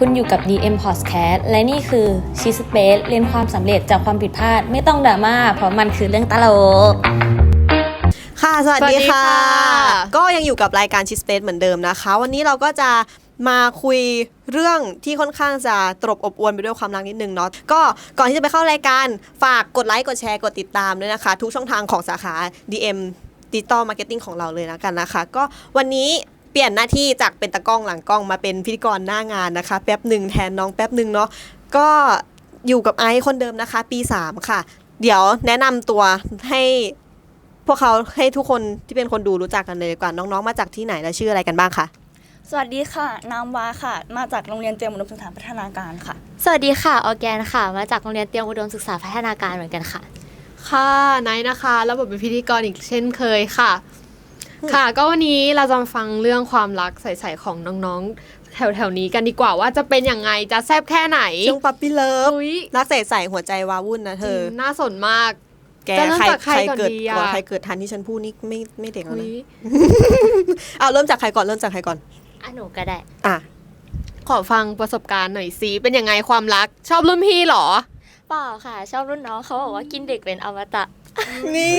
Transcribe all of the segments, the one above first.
คุณอยู่กับ DM Podcast และนี่คือ Cheese Space เรียนความสำเร็จจากความผิดพลาดไม่ต้องดราม่าเพราะมันคือเรื่องตลกค่ะสวัสดีค่ะก็ยังอยู่กับรายการ Cheese Space เหมือนเดิมนะคะวันนี้เราก็จะมาคุยเรื่องที่ค่อนข้างจะตรบอบอวลไปด้วยความรักนิดนึงเนาะก็ก่อนที่จะไปเข้ารายการฝากกดไลค์กดแชร์กดติดตามด้วยนะคะทุกช่องทางของสาขา DM Digital Marketing ของเราเลยนะกันนะคะก็วันนี้เปลี่ยนหน้าที่จากเป็นตากล้องหลังกล้องมาเป็นพิธีกรหน้างานนะคะแป๊บหนึ่งแทนน้องแป๊บหนึ่งเนาะก็อยู่กับไอซ์คนเดิมนะคะปี3ค่ะเดี๋ยวแนะนำตัวให้พวกเขาให้ทุกคนที่เป็นคนดูรู้จักกันเลยดีกว่าน้องๆมาจากที่ไหนและชื่ออะไรกันบ้างคะสวัสดีค่ะนามวาค่ะมาจากโรงเรียนเตรียมอุดมศึกษาพัฒนาการค่ะสวัสดีค่ะออร์แกนค่ะมาจากโรงเรียนเตรียมอุดมศึกษาพัฒนาการเหมือนกันค่ะค่ะไนท์นะคะรับบทเป็นพิธีกรอีกเช่นเคยค่ะค่ะก็วันนี้เราจะมาฟังเรื่องความรักใสๆของน้องๆแถวๆนี้กันดีกว่าว่าจะเป็นยังไงจะแซ่บแค่ไหนช่วงปั๊ปปี้เลิฟรักใสๆหัวใจวาวุ่นนะเธอน่าสนมากแกใครเกิดก่อนใครเกิดทันที่ฉันพูดนี่ไม่เด็กแล้วนะเอาเริ่มจากใครก่อนหนูก็ได้ขอฟังประสบการณ์หน่อยสิเป็นยังไงความรักชอบรุ่นพี่หรอเปล่าค่ะชอบรุ่นน้องเขาบอกว่ากินเด็กเป็นอมตะนี่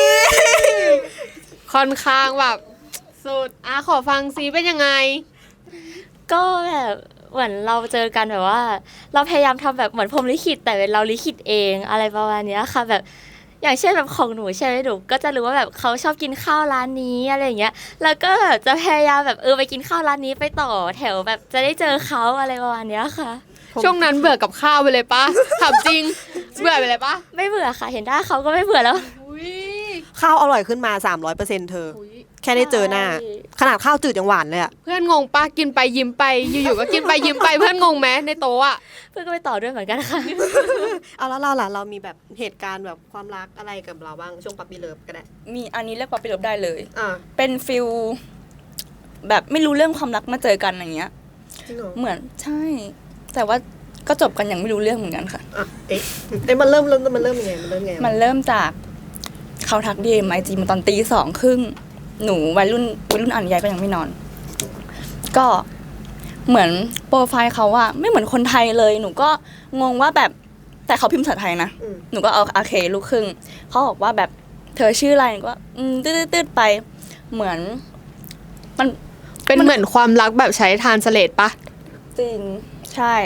ค่อนข้างแบบสุดขอฟังสิเป็นยังไงก็แบบเหมือนเราเจอกันแบบว่าเราพยายามทำแบบเหมือนพรหมลิขิตแต่เป็นเราลิขิตเองอะไรประมาณนี้ค่ะแบบอย่างเช่นแบบของหนูใช่ไหมหนูก็จะรู้ว่าแบบเขาชอบกินข้าวร้านนี้อะไรอย่างเงี้ยแล้วก็แบบจะพยายามแบบไปกินข้าวร้านนี้ไปต่อแถวแบบจะได้เจอเขาอะไรประมาณนี้ค่ะช่วงนั้นเบื่อกับข้าวไปเลยปะถามจริงเบื่อไปเลยปะไม่เบื่อค่ะเห็นหน้าเขาก็ไม่เบื่อแล้วข้าวอร่อยขึ้นมา 300% เธอแค่ได้เจอหน้าขนาดข้าวจืดยังหวานเลยอะเพื่อนงงปะกินไปยิ้มไปอยู่ๆก็กินไปยิ้มไปเพื่อนงงไหมในโต๊ะอะเพื่อนก็ไปต่อด้วยเหมือนกันค่ะเอาแล้วเราล่ะเรามีแบบเหตุการณ์แบบความรักอะไรกับเราบ้างช่วงปั๊ปปี้เลิฟก็ได้มีอันนี้เรียกปั๊ปปี้เลิฟได้เลยเป็นฟิลแบบไม่รู้เรื่องความรักมาเจอกันอย่างเงี้ยเหมือนใช่แต่ว่าก็จบกันอย่างไม่รู้เรื่องเหมือนกันค่ะมันเริ่มยังไงมันเริ่มจากเขาทักDM IG มาตอน 2:30 น.หนูวัยรุ่นอ่านนิยายก็ยังไม่นอนก็เหมือนโปรไฟล์เขาอะไม่เหมือนคนไทยเลยหนูก็งงว่าแบบแต่เขาพิมพ์ภาษาไทยนะหนูก็เอาโอเคลูกครึ่งเขาบอกว่าแบบเธอชื่ออะไรหนูก็ตืดไปเหมือนมันเป็นเหมือนความรักแบบใช้ทรานสเลทปะจริงใช่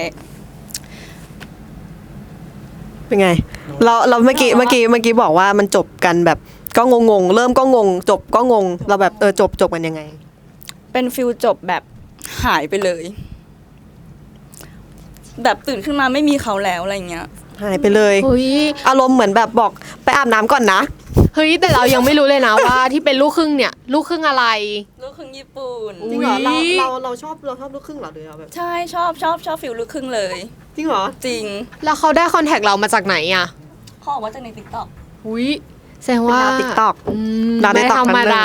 เป็นไงเราเมื่อกี้บอกว่ามันจบกันแบบก็งงเริ่มก็งงจบก็งงเราแบบจบกันยังไงเป็นฟิลจบแบบหายไปเลยแบบตื่นขึ้นมาไม่มีเขาแล้วอะไรเงี้ยหายไปเลยอารมณ์เหมือนแบบบอกไปอาบน้ำก่อนนะเฮ้ยแต่เรายังไม่รู้เลยนะว่าที่เป็นลูกครึ่งเนี่ยลูกครึ่งอะไรลูกครึ่งญี่ปุ่นจริงเหรอเราชอบลูกครึ่งเหรอหรือแบบใช่ชอบฟิลลูกครึ่งเลยจริงเหรอจริงแล้วเขาได้คอนแทคเรามาจากไหนอ่ะเขาบอกว่าจากใน TikTok แสดงว่า TikTok ไม่ธรรมดา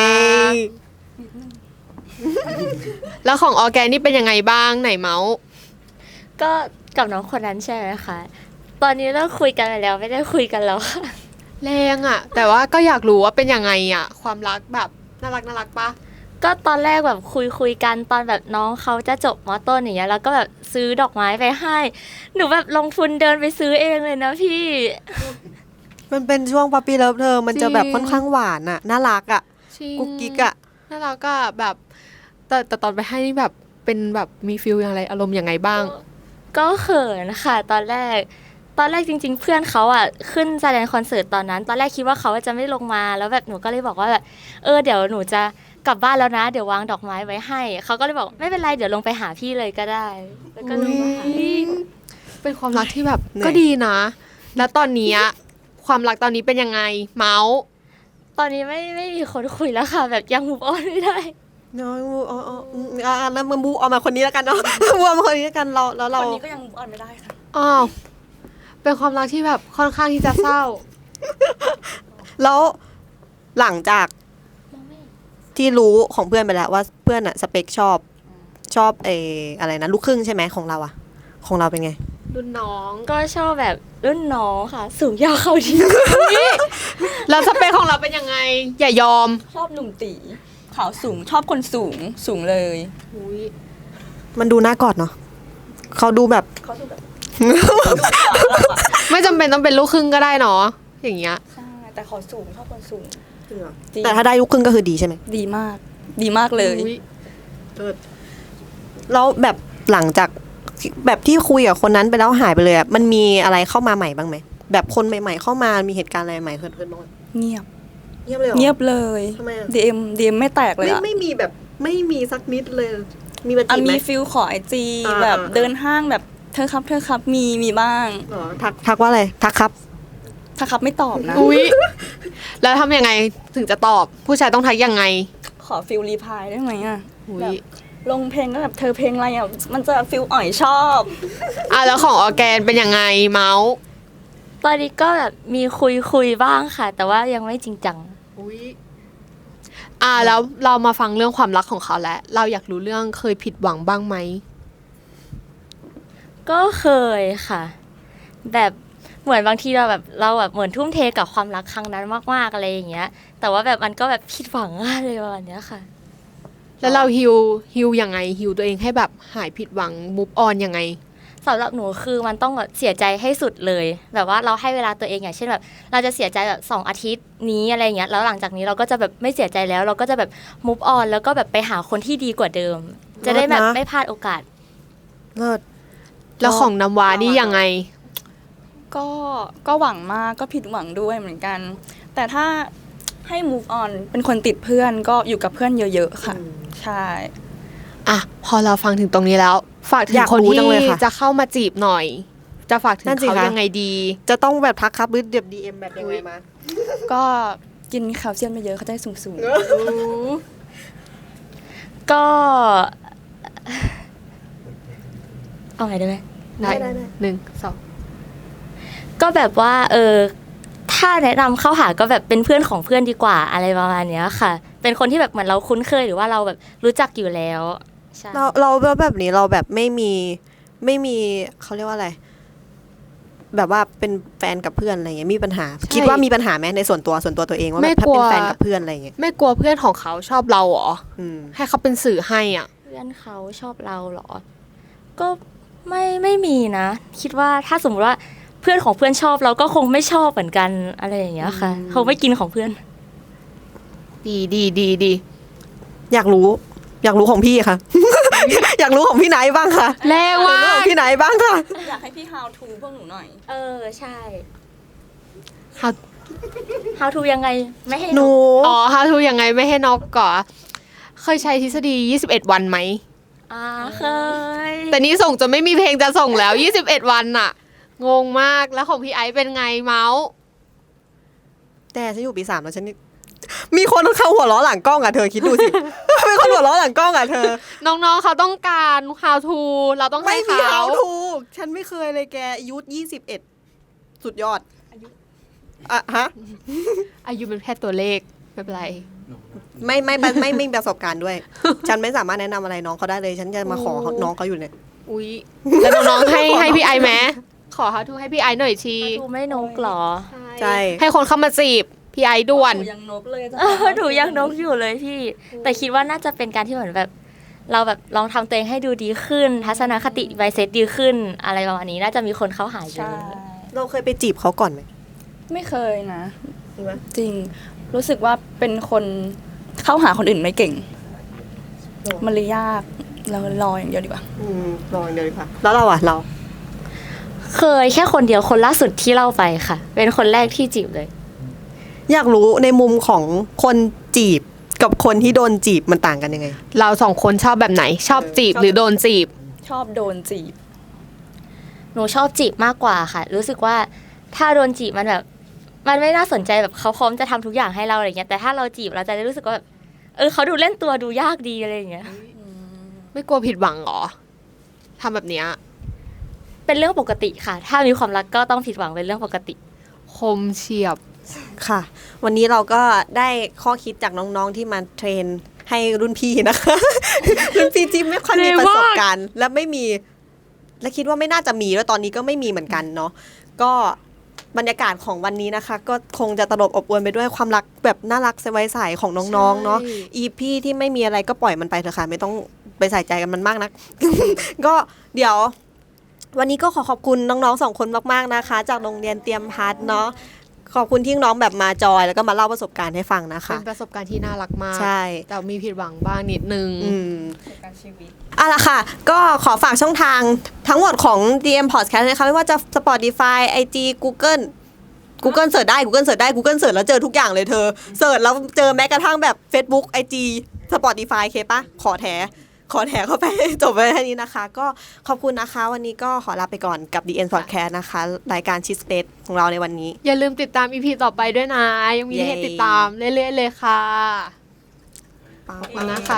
แล้วของออร์แกนนี่เป็นยังไงบ้างไหนเมาส์ก็กับน้องคนนั้นใช่ไหมคะตอนนี้เลิกคุยกันไปแล้วไม่ได้คุยกันแล้วค่ะแรงอ่ะแต่ว่าก็อยากรู้ว่าเป็นยังไงอ่ะความรักแบบน่ารักปะก็ตอนแรกแบบคุยกันตอนแบบน้องเขาจะจบม.ต้นอย่างเงี้ยแล้วก็แบบซื้อดอกไม้ไปให้หนูแบบลงทุนเดินไปซื้อเองเลยนะพี่มันเป็นช่วงปั๊ปปี้เลิฟเธอมันจะแบบค่อนข้างหวานอ่ะน่ารักอ่ะกุ๊กกิ๊กอ่ะน่ารักก็แบบแต่ตอนไปให้นี่แบบเป็นแบบมีฟีลอย่างไรอารมณ์ยังไงบ้างก็เขินค่ะตอนแรกจริงๆเพื่อนเขาอ่ะขึ้นแสดงคอนเสิร์ตตอนนั้นตอนแรกคิดว่าเขาจะไม่ลงมาแล้วแบบหนูก็เลยบอกว่าแบบเดี๋ยวหนูจะกลับบ้านแล้วนะเดี๋ยววางดอกไม้ไว้ให้เขาก็เลยบอกไม่เป็นไรเดี๋ยวลงไปหาพี่เลยก็ได้แล้วก็ลงมาหาเป็นความรักที่แบบก็ดีนะแล้วตอนนี้ความรักตอนนี้เป็นยังไงเมาส์ตอนนี้ไม่มีคนคุยแล้วค่ะแบบยังมูฟออนไม่ได้น้อยแล้วมามูออกมาคนนี้แล้วกันเนาะมูออกมาคนนี้แล้วกันเราคนนี้ก็ยังมูฟออนไม่ได้ค่ะเป็นความรักที่แบบค่อนข้างที่จะเศร้าแล้วหลังจากที่รู้ของเพื่อนไปแล้วว่าเพื่อนอะสเปคชอบอะไรนะลูกครึ่งใช่ไหมของเราอะของเราเป็นไงรุ่นน้องก็ชอบแบบรุ่นน้องค่ะสูงยาวเขาดีแล้วสเปคของเราเป็นยังไงอย่ายอมชอบหนุ่มตีขาวสูงชอบคนสูงเลยมันดูน่ากอดเนาะเขาดูแบบเขาดูแบบไม่จำเป็นต้องเป็นลูกครึ่งก็ได้เนาะอย่างเงี้ยใช่แต่ขอสูงชอบคนสูง จริงแต่ถ้าได้ลูกครึ่งก็คือดีใช่ไหมดีมาก ดีมากเลยอุ๊ยแล้วแบบหลังจากแบบที่คุยกับคนนั้นไปแล้วหายไปเลยอะมันมีอะไรเข้ามาใหม่บ้างไหมแบบคนใหม่ๆเข้ามามีเหตุการณ์อะไรใหม่เกิดขึ้นบ้างไหมเงียบเงียบเลยเหรอเงียบเลยทำไมอะ DM ไม่แตกเลยอะไม่มีแบบไม่มีสักนิดเลย มีมาอ่ะจีบไหมมีฟิลขอไอจีอ่าแบบอ่าเดินห้างแบบเธอครับมีบ้างเหรอทักว่าอะไรทักครับถ้าครับไม่ตอบนะอุ๊ยแล้วทำยังไงถึงจะตอบผู้ชายต้องทักยังไงขอฟิลรีพายได้ไหมอ่ะอุ๊แบยบลงเพลงก็แบบเธอเพลงอะไรอ่ะมันจะฟิลอ่อยชอบแล้วของออร์แกนเป็นยังไงเมาส์ตอนนี้ก็แบบมีคุยบ้างค่ะ แต่ว่ายังไม่จริงจังแล้วเรามาฟังเรื่องความรักของเขาแล้วเราอยากรู้เรื่องเคยผิดหวังบ้างไหมก็เคยค่ะ แบบเหมือนบางทีเราแบบเหมือนทุ่มเทกับความรักครั้งนั้นมากๆอะไรอย่างเงี้ย แต่ว่าแบบมันก็แบบผิดหวังอะไรประมาณเนี้ยค่ะแล้วเราฮิวยังไงฮิวตัวเองให้แบบหายผิดหวังมูฟออนยังไงสำหรับหนูคือมันต้องแบบเสียใจให้สุดเลย แบบว่าเราให้เวลาตัวเองอย่างเช่นแบบเราจะเสียใจแบบ2 อาทิตย์นี้อะไรเงี้ยแล้วหลังจากนี้เราก็จะแบบไม่เสียใจแล้ว เราก็จะแบบ move on แล้วก็แบบไปหาคนที่ดีกว่าเดิม จะได้แบบเลิศนะไม่พลาดโอกาสเลิศแล้วของน้ำว้านี่ยังไงก็หวังมากก็ผิดหวังด้วยเหมือนกัน แต่ถ้าให้ move on เป็นคนติดเพื่อนก็อยู่กับเพื่อนเยอะๆค่ะ ใช่พอเราฟังถึงตรงนี้แล้ว ฝากถึอง ยากคนรู้ที่จังเลยค่ะจะเข้ามาจีบหน่อย จะฝากถึงนั่นสิเขาคะยังไงดีจะต้องแบบทักครับหรือเดี๋ยว DM แบบยังไงมาก็กินแคลเซียมเยอะๆเขาจะได้สูงก็ เอาไงได้ไหมได้ได้ 1 2 ก็แบบว่าถ้าแนะนำเข้าหาก็แบบเป็นเพื่อนของเพื่อนดีกว่าอะไรประมาณเนี้ยค่ะ เป็นคนที่แบบเหมือนเราคุ้นเคยหรือว่าเราแบบรู้จักอยู่แล้วใช่เราแบบนี้เราแบบไม่มีเขาเรียกว่าอะไร แบบว่าเป็นแฟนกับเพื่อนอะไรเงี้ยมีปัญหา คิดว่ามีปัญหาไหมในส่วนตัวตัวเองว่าแบบถ้าเป็นแฟนกับเพื่อนอะไรเงี้ยไม่กลัวเพื่อนของเขาชอบเราเหรออืมให้เขาเป็นสื่อให้อ่ะเพื่อนเขาชอบเราเหรอ ก็ไม่มีนะ คิดว่าถ้าสมมติว่าเพื่อนของเพื่อนชอบเราก็คงไม่ชอบเหมือนกันอะไรอย่างเงี้ยค่ะคงไม่กินของเพื่อนดีอยากรู้ของพี่ค่ะ อยากรู้ของพี่ไนท์บ้างค่ะแรงอยากว่ารู้ของพี่ไนท์บ้างค่ะๆ อยากให้พี่ how to พวกหนูหน่อยใช่ How how to ยังไงไม่ให้หนู how to ยังไงไม่ให้นอกก่อนเคยใช้ทฤษฎี21 วันไหมเคยแต่นี่ส่งจนไม่มีเพลงจะส่งแล้ว 21 วันน่ะ งงมากแล้วของพี่ไอซ์เป็นไงเมาส์แต่ฉันอยู่ปี 3แล้วฉันนี่มีคนเข้าหัวล้อหลังกล้องอ่ะเธอคิดดูสิ มีคนหัวล้อหลังกล้องอ่ะเธอน้องๆเขาต้องการ how to เราต้องไม่ให้มีเขา how to ฉันไม่เคยเลยแกอายุ21 สุดยอดอ่ะฮะอายุเป็นแค่ตัวเลขไม่เป็นไรไม่มีประสบการณ์ด้วย ฉันไม่สามารถแนะนำอะไรน้องเขาได้เลย ฉันจะมาขอน้องเขาอยู่เนี่ยอุ๊ยแล้วน้องๆให้พี่ไอซ์ไหมขอ how to ให้พี่ไอซ์หน่อยที how to ไม่นกเหรอใช่ให้คนเข้ามาจีบพี่ไอซ์ด่วนหนูยังนกเลยจ้ะหนูยังนกอยู่เลยพี่ แต่คิดว่าน่าจะเป็นการที่เหมือนแบบ เราแบบลองทำตัวเองให้ดูดีขึ้น ทัศนคติไวเซตดีขึ้น อะไรประมาณนี้น่าจะมีคนเข้าหาเยใช่อะเราเคยไปจีบเขาก่อนไหมไม่เคยนะจริงไหมจริง รู้สึกว่าเป็นคนเข้าหาคนอื่นไม่เก่ง มันเลยยากเรารออย่างเดียวดีกว่าลองเดียวดีกว่าแล้วเราอ่ะเราเคยแค่คนเดียวคนล่าสุดที่เล่าไปค่ะ เป็นคนแรกที่จีบเลยอยากรู้ในมุมของคนจีบกับคนที่โดนจีบมันต่างกันยังไงเราสองคนชอบแบบไหน ชอบจีบหรือโดนจีบชอบโดนจีบหนูชอบจีบมากกว่าค่ะ รู้สึกว่าถ้าโดนจีบมันแบบ มันไม่น่าสนใจแบบเขาพร้อมจะทำทุกอย่างให้เราอะไรเงี้ยแต่ถ้าเราจีบเราจะได้รู้สึกว่าแบบเขาดูเล่นตัวดูยากดีอะไรอย่างเงี้ยไม่กลัวผิดหวังเหรอทำแบบเนี้ยเป็นเรื่องปกติค่ะ ถ้ามีความรักก็ต้องผิดหวังเป็นเรื่องปกติคมเฉียบค่ะ วันนี้เราก็ได้ข้อคิดจากน้องๆที่มาเทรนให้รุ่นพี่นะคะ รุ่นพี่ที่ไม่ค่อยมีประสบการณ์ และไม่มี และคิดว่าไม่น่าจะมีแล้วตอนนี้ก็ไม่มีเหมือนกันเนาะก็บรรยากาศของวันนี้นะคะ ก็คงจะตลบอบอวลไปด้วยความรักแบบน่ารักใสๆของน้องๆเนาะใช่อีพี่ที่ไม่มีอะไรก็ปล่อยมันไปเถอะค่ะไม่ต้องไปใส่ใจกันมันมากนัก ก็เดี๋ยววันนี้ก็ขอบคุณน้องๆ2คนมากๆนะคะ จากโรงเรียนเตรียมพัฒน์เนาะขอบคุณที่น้องแบบมาจอยแล้วก็มาเล่าประสบการณ์ให้ฟังนะคะเป็นประสบการณ์ที่น่ารักมากใช่แต่มีผิดหวังบ้างนิดนึงการชีวิตเอาล่ะค่ะ ก็ขอฝากช่องทางทั้งหมดของ DM Podcast นะคะไม่ว่าจะ Spotify IG Google เสิร์ชได้ Google เสิร์ชได้ Google เสิร์ชแล้วเจอทุกอย่างเลยเธอเสิร์ชแล้วเจอแม้กระทั่งแบบ Facebook IG Spotify เคปะขอแถเข้าไป จบไปแค่นี้นะคะ ก็ขอบคุณนะคะ วันนี้ก็ขอลาไปก่อนกับ DN Podcast นะคะ รายการชิสเปซของเราในวันนี้อย่าลืมติดตาม EP ต่อไปด้วยนะ ยังมีให้ติดตามเรื่อยๆเลยค่ะ ขอบคุณนะคะ